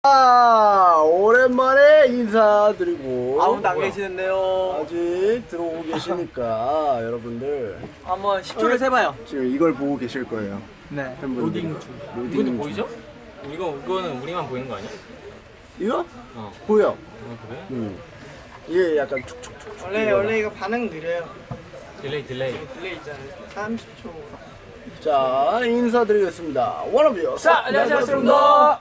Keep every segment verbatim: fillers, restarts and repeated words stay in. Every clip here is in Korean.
아, 오랜만에 인사드리고 아무도 안 계시는데요. 아직 들어오고 계시니까 여러분들 한번 십 초를 세봐요. 지금 이걸 보고 계실 거예요. 네. 팬분들. 로딩 중. 로딩 이것도 중. 보이죠? 이거 이거는 우리만 보이는 거 아니야? 이거? 어. 보여. 어 그래? 음. 이게 약간 툭툭툭. 원래 원래 이거 반응 느려요. 딜레이 딜레이. 딜레이 있잖아요. 삼십 초. 자, 인사드리겠습니다. 원어비요. 자, 안녕하세요, 여러분들.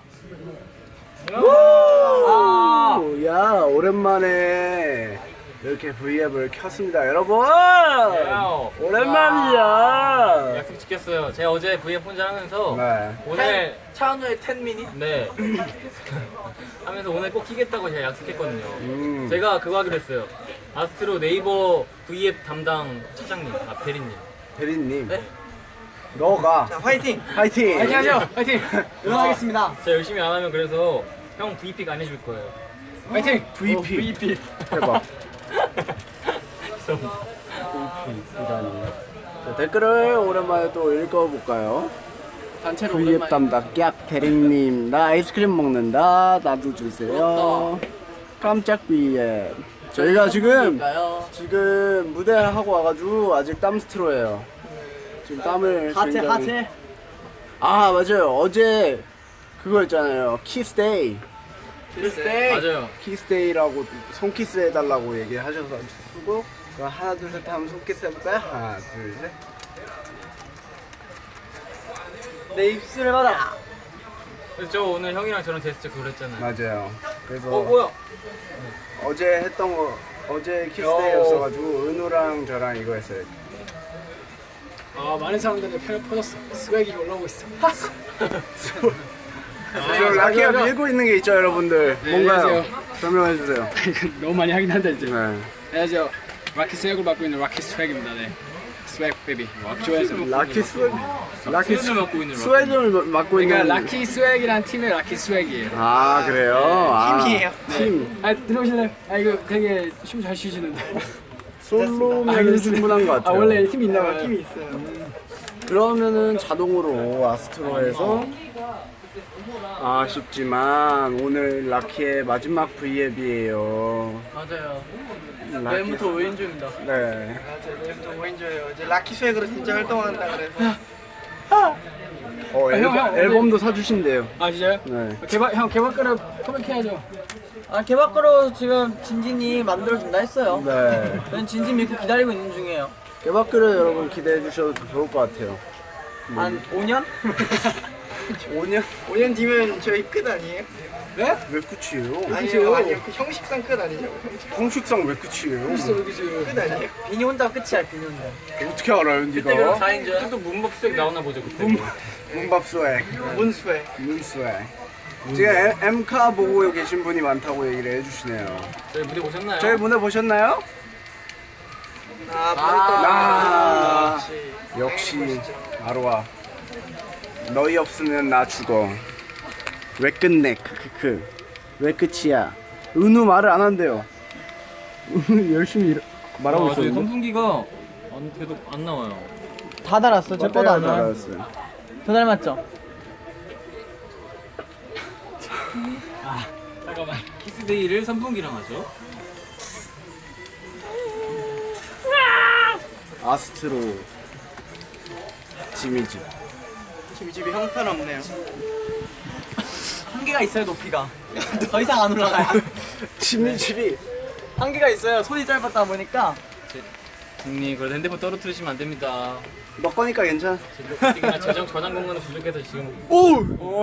아, 야, 오랜만에 이렇게 브이앱을 켰습니다, 여러분. 야오. 오랜만이야. 약속 지켰어요. 제가 어제 브이앱 혼자 하면서 네. 오늘 차은우의 텐 미닛. 네 하면서 오늘 꼭 키겠다고 제가 약속했거든요. 음. 제가 그거 하기로 했어요. 아스트로 네이버 브이앱 담당 차장님, 아 대리님. 대리님, 네? 너가 자, 화이팅. 파이팅. 화이팅 하죠. 화이팅. 응원하겠습니다. 제가 열심히 안 하면 그래서 형 브이픽 안 해줄 거예요. 화이팅. 브이피. 브이피. 대박. 죄송합니다. 이라니. 자, 댓글을 오랜만에 또 읽어볼까요? 단체로 브이앱 담당 깍 대리님, 나 아이스크림 먹는다. 나도 주세요. 깜짝 브이앱. 저희가 지금 지금 무대 하고 와가지고 아직 땀 스트로예요. 지금 땀을 하체 굉장히- 하체. 아 맞아요. 어제 그거 있잖아요. 키스데이. 키스데이. 맞아요. 키스데이라고 손키스 해달라고 얘기하셔서 그리고 하나 둘 셋 하면 손키스 해볼까요? 하나 둘 셋. 내 입술을 받아. 그래서 저 오늘 형이랑 저랑 제스처 그걸 했잖아요. 맞아요. 그래서 어 뭐야? 어제 했던 거 어제 키스데이였어가지고 은우랑 저랑 이거 했어요. 아 많은 사람들의 팬을 퍼졌어. 스웩이 올라오고 있어. 지금 라키가 밀고 있는 게 있죠, 여러분들. 네, 뭔가요? 안녕하세요. 설명해 주세요. 이거 너무 많이 하긴 한다 이제. 네. 안녕하세요. 라키 스웩을 맡고 있는 라키 스웩입니다. 네. 스웩 베이비. 좋아해서. 라키 스웨 라키 스웨드를 맡고 있는 스웨드를 맡고 있는. 그러니까 라키 스웩이란 팀의 라키 스웩이에요. 아 그래요? 아, 팀이에요. 팀. 아 들어오실래요? 아 이거 되게 춤 잘 추시는데. 솔로면 충분한 것 아 같아요. 원래 팀이 있나 봐요. 팀이 있어요. 그러면은 자동으로 아스트로에서 아쉽지만 오늘 라키의 마지막 브이앱이에요. 맞아요. 라키- 내일부터 오인조입니다. 네. 맞아요. 내일부터 오인조예요. 이제 라키 스웩으로 진짜 활동한다 그래서. 어 앨, 형, 형, 앨범도 사주신대요. 아 진짜요? 네. 개발 형 개발가를 토백해야죠. 아 개박으로 지금 진진이 만들어준다 했어요. 네. 저는 진진 믿고 기다리고 있는 중이에요. 개박글을 여러분 기대해 주셔도 좋을 것 같아요. 한 오 년? 오 년? 오 년 뒤면 저희 끝 아니에요? 네? 왜 끝이에요? 아니요, 아니요. 그 형식상 끝 아니죠? 형식 형식상 왜 끝이에요? 있어 여기 지금. 끝 아니에요? 비니 혼자 끝이야, 비니 혼자. 어떻게 알아요, 그때 그럼 니가? 사인조야? 그때 또 문법 수액 나오나 보죠 그때. 문밥스웩, 문스웩. 문스웩. 지금 엠- 엠카 보고 계신 분이 많다고 얘기를 해주시네요. 저희 무대 보셨나요? 저희 무대 보셨나요? 아, 아, 버렸던 역시 아로아. 너희 없으면 나 죽어. 왜 끝내? 크크크. 왜 끝이야? 은우 말을 안 한대요. 은우 열심히 일- 말하고 아, 저희 있었는데. 선풍기가 안, 계속 안 나와요. 다 달았어. 제 거도 안 나와. 알았어요. 더 닮았죠? 잠깐만. 키스데이를 선풍기랑 하죠. 아스트로 지미집. 지금 집이 형편없네요. 한계가 있어요, 높이가. 더 이상 안 올라가요. 지미집이 한계가 있어요. 손이 짧았다 보니까. 형님 그래도 핸드폰 떨어뜨리시면 안 됩니다. 너 거니까 괜찮아. 지금 저장 저장 공간이 부족해서 지금. 오!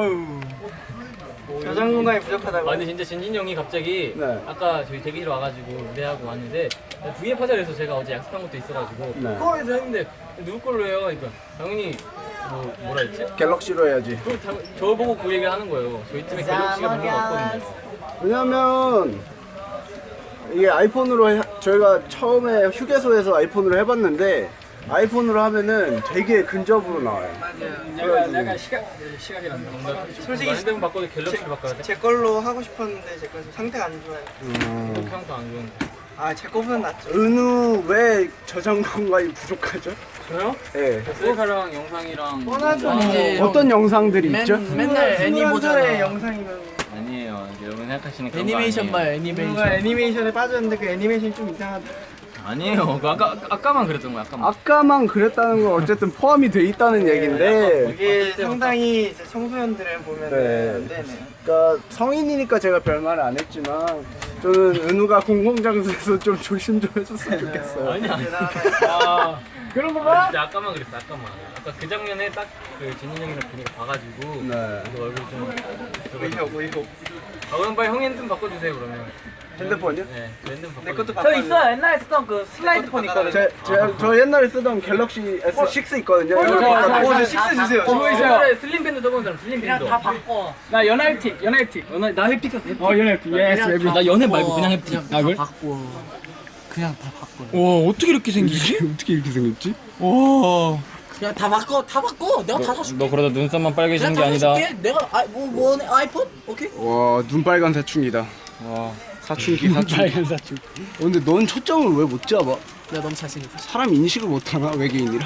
저장 공간이 부족하다고. 아 근데 진짜 진진 형이 갑자기 네. 아까 저희 대기실 와가지고 무대하고 왔는데 브이앱 하자 그래서 제가 어제 약속한 것도 있어가지고 네. 코어에서 했는데 누구 걸로 해요? 그러니까 당연히 뭐 뭐라 했지? 갤럭시로 해야지. 그 당- 저 보고 그 얘기를 하는 거예요. 저희 팀에 갤럭시가 별로 없거든요. 왜냐면 이게 아이폰으로 해, 저희가 처음에 휴게소에서 아이폰으로 해봤는데 아이폰으로 하면은 되게 근접으로 나와요. 약간 약간 시각 시각이란다. 뭔가 솔직히 핸드폰 바꿔도 갤럭시로 바꿔야 돼? 제 걸로 하고 싶었는데 제 거 상태가 안 좋아요. 음. 평도 안 좋은데. 아, 제 거보단 낫죠. 은우 왜 저장 공간이 부족하죠? 저요? 예. 셀카랑 영상이랑 뻔하죠. 뭐 이제 어떤 영상들이 있죠? 맨날 애니 보잖아. 영상이면 아니에요. 여러분 생각하시는 그런 애니메이션 거 봐요 아니에요. 애니메이션. 뭔가 애니메이션에 빠졌는데 그 애니메이션이 좀 이상하다. 아니에요. 그 아까 아까만 그랬던 거야. 아까만. 아까만 그랬다는 건 어쨌든 포함이 돼 있다는 얘긴데 이게 상당히 이제 청소년들은 보면 네. 안 되네. 그러니까 성인이니까 제가 별말을 안 했지만 저는 은우가 공공장소에서 좀 조심 좀 해줬으면 좋겠어요. 아니 아니. 대단하다. 아, 그런 거 나 진짜 아까만 그랬어. 아까만. 아까 그 장면에 딱 그 진인 형이랑 분위기 봐가지고. 네. 그 얼굴 좀. 의욕 의욕. 아 그럼 빨리 형 핸드폰 바꿔주세요 그러면. 핸드폰이요? 네. 저 핸드폰 바꿔. 내 것도 저 바꿔. 있어 옛날에 쓰던 그 슬라이드 폰 있거든. 제, 제, 저 옛날에 쓰던 갤럭시 에스 식스 있거든요. 이거 어, 바꿔드릴게요. 저 식스 주세요. 어, 있어요. 슬림 밴드 써본 사람 슬림 밴드. 그냥 다 바꿔. 나 연하이틱, 연하이틱. 연하 나 햅틱 썼어. 햅틱. 어, 연하이틱. 예스, 웨비. 나 연애 말고 그냥 햅틱. 아, 그래? 바꿔. 그냥 다 바꿔. 와, 어떻게 이렇게 생기지? 어떻게 이렇게 생겼지? 와. 그냥 다 바꿔 다 바꿔. 내가 다 사줄게. 너 그러다 눈썹만 빨개지는 게 내가 다 아니다. 사줄게. 내가 아뭐뭐 아이폰? 오케이. 와 눈빨간 사춘기다. 와. 사춘기 사춘기. 빨간 사춘. 어, 근데 넌 초점을 왜 못 잡아? 내가 너무 잘생겼어. 사람 인식을 못 하나 외계인이라?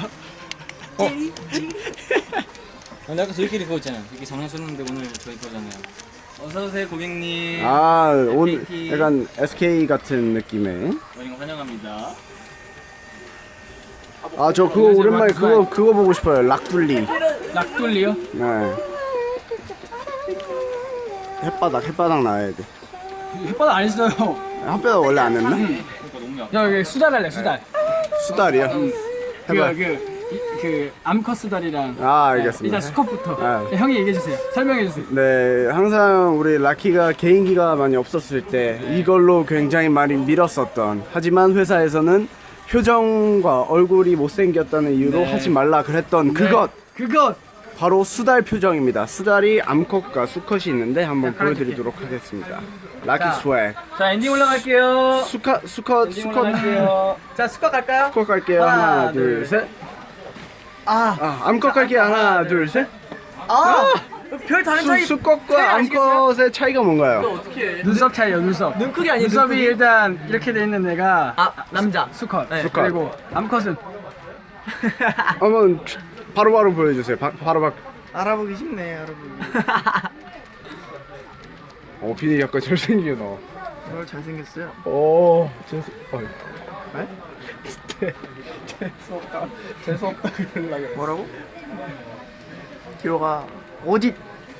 근데 아까 저희끼리 그거 있잖아요. 이렇게 장난쳤는데 오늘 저희 거잖아요. 어서 오세요 고객님. 아 오늘 에스케이티. 약간 에스케이 같은 느낌의. 오신 거 환영합니다. 아 저 그거 오랜만에 그거 그거 보고 싶어요. 락둘리. 낙돌리요? 네. 햇바닥 햇바닥 나와야 돼. 혓바닥 안 했어요. 햇바닥 원래 안 했나? 그러니까 너무 약. 야, 여기 수달 할래, 수달. 수달이야. 그, 해봐. 그, 이- 그, 암컷 수달이랑. 아 알겠습니다. 일단 수컷부터. 아. 네, 형이 얘기해주세요. 설명해주세요. 네, 항상 우리 라키가 개인기가 많이 없었을 때 이걸로 굉장히 많이 밀었었던, 하지만 회사에서는 표정과 얼굴이 못생겼다는 이유로 네. 하지 말라 그랬던 그것, 그것! 바로 수달 표정입니다. 수달이 암컷과 수컷이 있는데 한번 보여드리도록 하겠습니다. 라키 스웩. 자 엔딩 올라갈게요. 수컷 수컷 엔딩 수컷 올라갈게요. 자 수컷 갈까요? 수컷 갈게요. 하나, 둘, 셋. 아. 아, 암컷 갈게요. 하나, 둘, 셋. 아. 별 다른 수, 차이. 수컷과 암컷의 차이가 뭔가요? 어떻게? 눈썹 차이요, 눈썹. 눈 크기 아니에요? 눈썹이 눈 크기? 일단 이렇게 돼 있는 애가 아 남자. 수컷. 네. 수컷. 그리고 암컷은 한번 바로바로 보여주세요. 바, 바로 바. 알아보기 쉽네 알아보기. 어, 비니 약간 잘생겨 너. 오늘 잘생겼어요. 오, 재수. 어. 네? 재수 없다. 재수 없다 그러려고 그래. 뭐라고? 뒤로 가. 어디?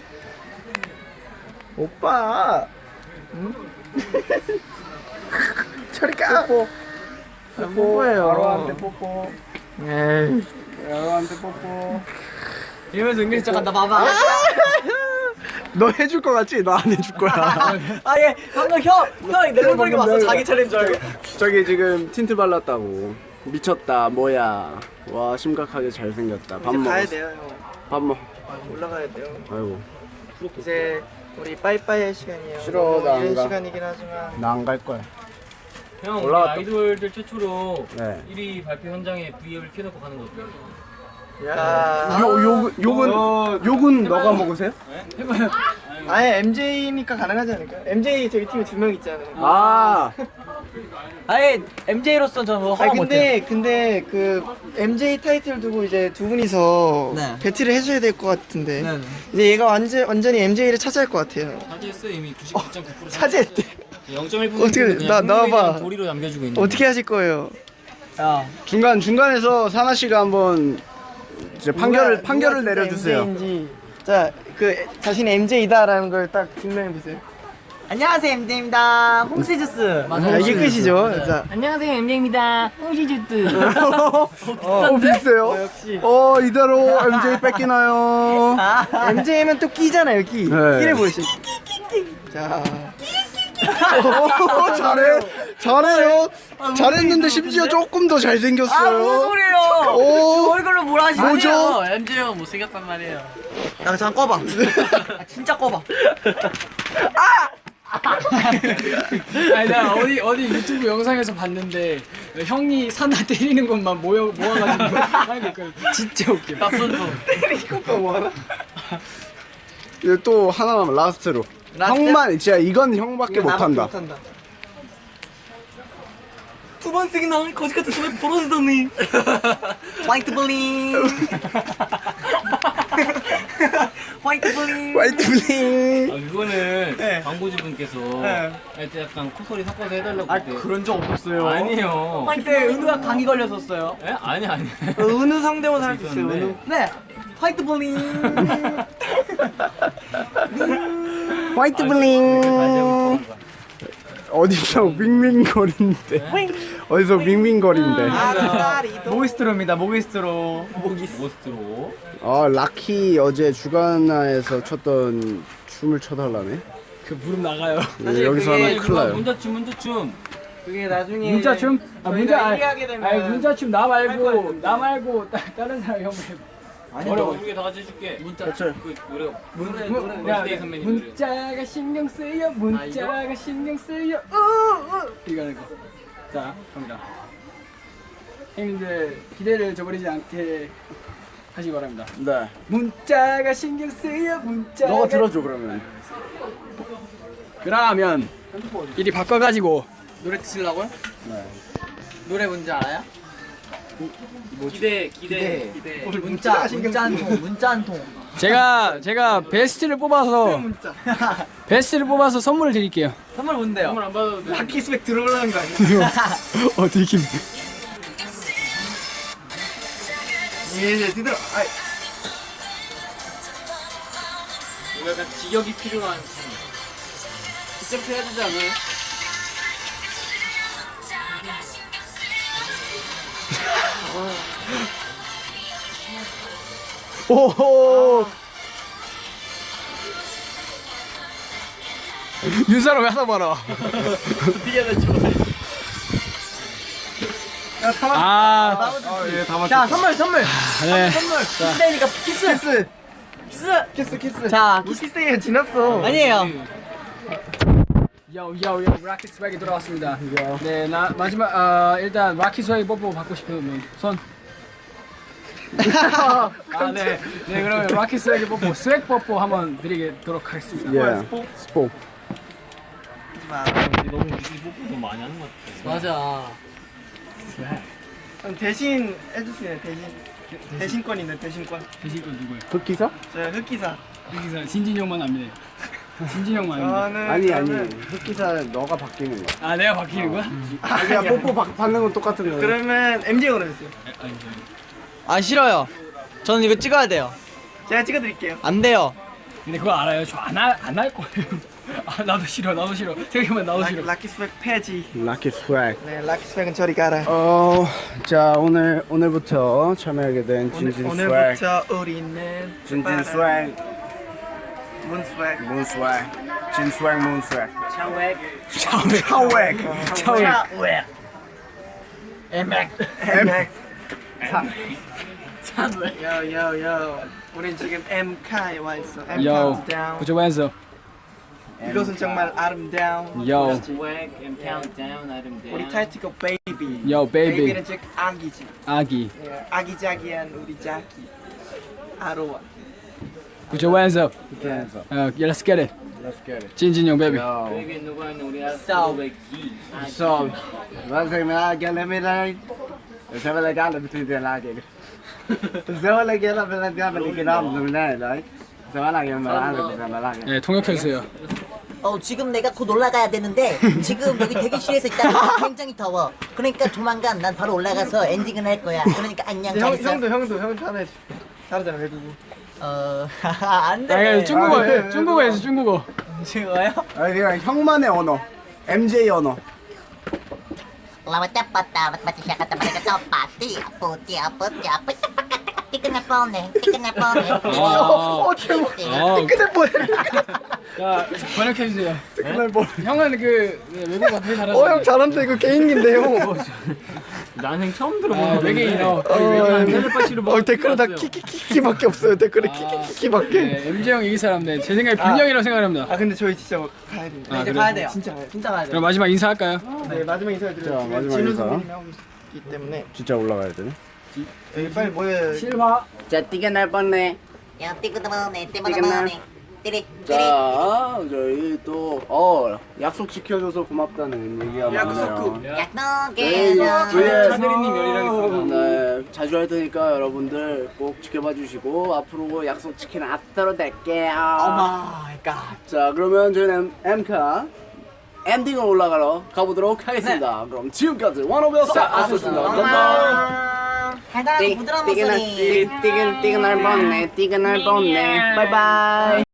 오빠. 응? 저리 가. 뽀뽀. 뽀뽀예요. 바로한테 뽀뽀. 에이. 바로한테 뽀뽀. 이러면서 은근히 척한다 봐봐. 너 해줄 거 같지? 너 안 해줄 거야. 아예 방금 형형 낼름거리고 봤어. 자기 차례인 줄 알고. 저기 지금 틴트 발랐다고. 미쳤다. 뭐야? 와 심각하게 잘생겼다. 밥 이제 가야 먹었어. 돼요 형. 밥 먹. 올라가야 돼요. 아이고. 이제 우리 빠이빠이 할 시간이에요. 싫어, 너무 나안 이른 가. 시간이긴 하지만 나 안 갈 거야. 형 우리 올라왔다. 아이돌들 최초로 네. 일 위 발표 현장에 브이앱을 켜놓고 가는 거 어때요? 야. 요, 요, 욕은, 욕은 너가 먹으세요? 아예 엠제이니까 가능하지 않을까? 엠제이 저기 팀에 두 명 있잖아요. 아, 아예 엠제이로서 저는 뭐 아니 허가 못해요. 근데 근데 그 엠제이 타이틀 두고 이제 두 분이서 네. 배틀을 해줘야 될 것 같은데 네네. 이제 얘가 완전 완전히 엠제이를 차지할 것 같아요. 차지했어 이미 구십구 점 구 퍼센트 차지했대. 영 점 일 어떻게, 퍼센트 나- 나와봐. 도리로 남겨주고 있는 어떻게 하실 거예요? 야. 중간, 중간에서 사나 씨가 한번 이제 판결을, 누가- 판결을 누가 진짜 내려주세요. 엠제이인지. 자, 그 자신이 엠제이다라는 걸 딱 증명해 보세요. 안녕하세요 엠제이입니다. 홍시주스. 아, 이게 끝이죠. 자, 안녕하세요 엠제이입니다. 홍시주스. 어, 비슷해요. 어, 역시. 어, 이대로 엠제이 뺏기나요? 엠제이면 또 끼잖아요, 끼. 네. 끼를 보시죠. 자, 오, 잘해. 잘해요. 잘했는데 심지어 조금 더 아 무슨 잘생겼어요. 소리예요? 오. 얼굴로 뭐라 하시네요. 뭐죠? 엠제이가 못생겼단 말이에요. 야 잠깐 꺼봐. 아, 진짜 꺼봐. 아니 나 어디 어디 유튜브 영상에서 봤는데 형이 사나 때리는 것만 모여 모아가지고 하는 게 있거든. 진짜 웃겨. 납선수. 이제 또 하나 남은 라스트로. 라스트? 형만, 진짜 이건 형밖에 못한다. 못한다. 두 번 쓰긴 나오니 거지 같은 소리 벌어지더니. 화이트 블링. 화이트 블링. 화이트 블링. 아 그거는 광고주분께서 네. 할 때 약간 콧소리 섞어서 해달라고 아 그때. 그런 적 없었어요. 아니에요. 그때 은우가 감기 걸렸었어요. 예? 아니 아니. 은우 상대모사 할 수 있어요. 있었는데. 은우. 네. 화이트 볼링. 화이트 블링. 어디서 윙윙거리는데? 어디서 윙윙거리는데? 모기스트로입니다. 모기스트로. 모스트로. 아 라키 어제 주간화에서 췄던 춤을 춰달라네. 그 무릎 나가요. 예, 여기서 하면 큰일 나요. 문자춤 문자춤. 그게 나중에 문자춤? 아 문자 아니, 얘기하게 되면 아니 문자춤 나 할 말고 거예요. 나 말고 따, 다른 사람 형 말고. 아니 어려워. 우리 다 같이 해줄게. 문자 그렇죠. 그 노래 노래 문- 노래 야, 원스데이 선배님 노래. 문자가 신경 쓰여 문자가 신경 쓰여 우우 이거 하는 거. 자 갑니다. 형님들 기대를 저버리지 않게 하시기 바랍니다. 네. 문자가 신경 쓰여 문자가 너가 들어줘 그러면. 그러면 이리 바꿔가지고 노래 드시려고요? 네. 노래 뭔지 알아요? 기대 기대 기대. 우리 문자 문자 한 통, 문자 한 통. 제가 제가 베스트를 뽑아서 베스트를 뽑아서 선물을 드릴게요. 선물 뭔데요? 선물 안 받아도 돼. 라키 스펙 들어오려는 거 아니야? 어 드리kim. 예, 드들어. 아이, 이거 약간 직역이 필요한. 직접 해야 되지 않아요? 오호. 윤사람 왜 하나 봐라. 아, 예, 다 자, 선물 선물. 네. 선물. 키스데이니까 키스. 키스. 키스. 키스, 키스. 자, 뭐 키스데이가 지났어. 아니에요. 요요요 라키 스웩이 돌아왔습니다. 네, 나 마지막 아 일단 라키 스웩 뽀뽀 받고 싶으면 손. 아, 네. 네, 그러면 라키 스웩 뽀뽀, 스웩 뽀뽀 한번 드리도록 하겠습니다. 예. 스포. 너무 우리 뽀뽀 너무 많이 하는 것 같아. 맞아. 그럼 대신 해주세요. 대신. 대신권 있네. 대신권. 대신 건 누구예요? 흑기사? 저 흑기사. 여기서 진진이 형만 압니다. 진진이 형만 압니다. 저는 아니 아니. 그러면- 흑기사 너가 바뀌는 거야. 아, 내가 바뀌는 거야? 아니야 뽀뽀 받- 받는 건 똑같은 거야. 그러면 엠제이로 해주세요. 아니, 저기. 아 싫어요. 저는 이거 찍어야 돼요. 제가 찍어드릴게요. 안 돼요. 근데 그거 알아요? 저 안 할 안 할 거예요. 아, 나도 싫어, 나도 싫어. 생각해보면 나도 라, 싫어. 라키 스펙 폐지. 라키 스웩. 네, 라키 스펙은 저리 가라. 어, 자 오늘 오늘부터 참여하게 된 진진 오늘, 스웩. 오늘부터 우리는 진진 스웩. 문 스펙. 문 스웩. 진 스웩 문 스웩. 차웩. 차웩. 차왜? 에맥. 에맥. 차웩. 요요요. 우린 지금 엠카에 와 있어. M Yo, countdown. put your hands up. 이것은 정말 아름다운. Yo, Swag and countdown item down. 우리 타이틀곡 베이비. yo, baby. 베이비는 즉 아기지. 아기. 예, 아기자기한 우리 자기. 아로와. Put your hands up. Hands up. Uh, yeah, let's get it. Let's get it. 진진 형, baby. Yo. 여기 누가 있는 우리 아스트로의 기. So, wat zeg maar, ik heb hem in. We zijn wel lekker aan het doen, laat ik. Zo lekker aan het doen, maar ik kan hem doen, nee, nee. Zo lekker aan het doen, maar laat ik. 네, 통역해주세요. 어 지금 내가 곧 올라가야 되는데 지금 여기 대기실에서 있다가 굉장히 더워. 그러니까 조만간 난 바로 올라가서 엔딩을 할 거야. 그러니까 안녕 형, 잘했어. 형도 형도 형도 하나 해줘. 잘하잖아 외국어. 어 아, 안돼. 이거 중국어, 중국어에서 중국어. 지금요? 아, 이거 형만의 언어. 엠제이 언어. 라왔다 빠따 맞다 시작했다 말이야 또 빠띠 아뿌띠 아뿌띠 아뿌띠 빠까따 띠끈할 뻔해 띠끈할 뻔해. 아, 제목. 아, 끝에 뭐? 자, 번역해주세요. 끝날 뻔. 형은 그 네, 외국어 되게 잘하죠. 어 형 잘한다 이거 개인기인데 형. 난생 처음 아, 들어보는 외계인어. 어, 텔레파시로 어 댓글은 다 키키키키밖에 없어요. 댓글에 키키키키밖에. 네, 엠지 형 이기 사람인데 제 생각에 빈형이라고 생각합니다. 아 근데 저희 진짜 가야 됩니다. 아, 이제 그래? 가야 돼요. 진짜 가야 돼. 진짜 가야 돼요. 그럼 마지막 인사할까요? 네 마지막 인사드려요. 자, 마지막 진우 인사. 선배님이 하고 있기 때문에 진짜 올라가야 되네. 여기 빨리 모여요. 실화. 자, 뛰게 날 뻔네. 야 띠끄드머네 띠끄드머네 띠리 띠리. 자, 저희 또 어 약속 지켜줘서 고맙다는 얘기가 많네요. 네, 약속해서 위에 차대리님 열이라겠습니다. 네, 자주 할 테니까 여러분들 꼭 지켜봐 주시고 앞으로 약속 지키는 앞으로 될게요. 마이 갓. 자 그러면 저희는 엠카 엔딩을 올라가러 가보도록 하겠습니다. 그럼 지금까지 원오브였어. 아셨습니다. 감사합니다. 달달하고 부드러운 목소리. 띠그날 뻔네, 띠그날 뻔네. 바이바이.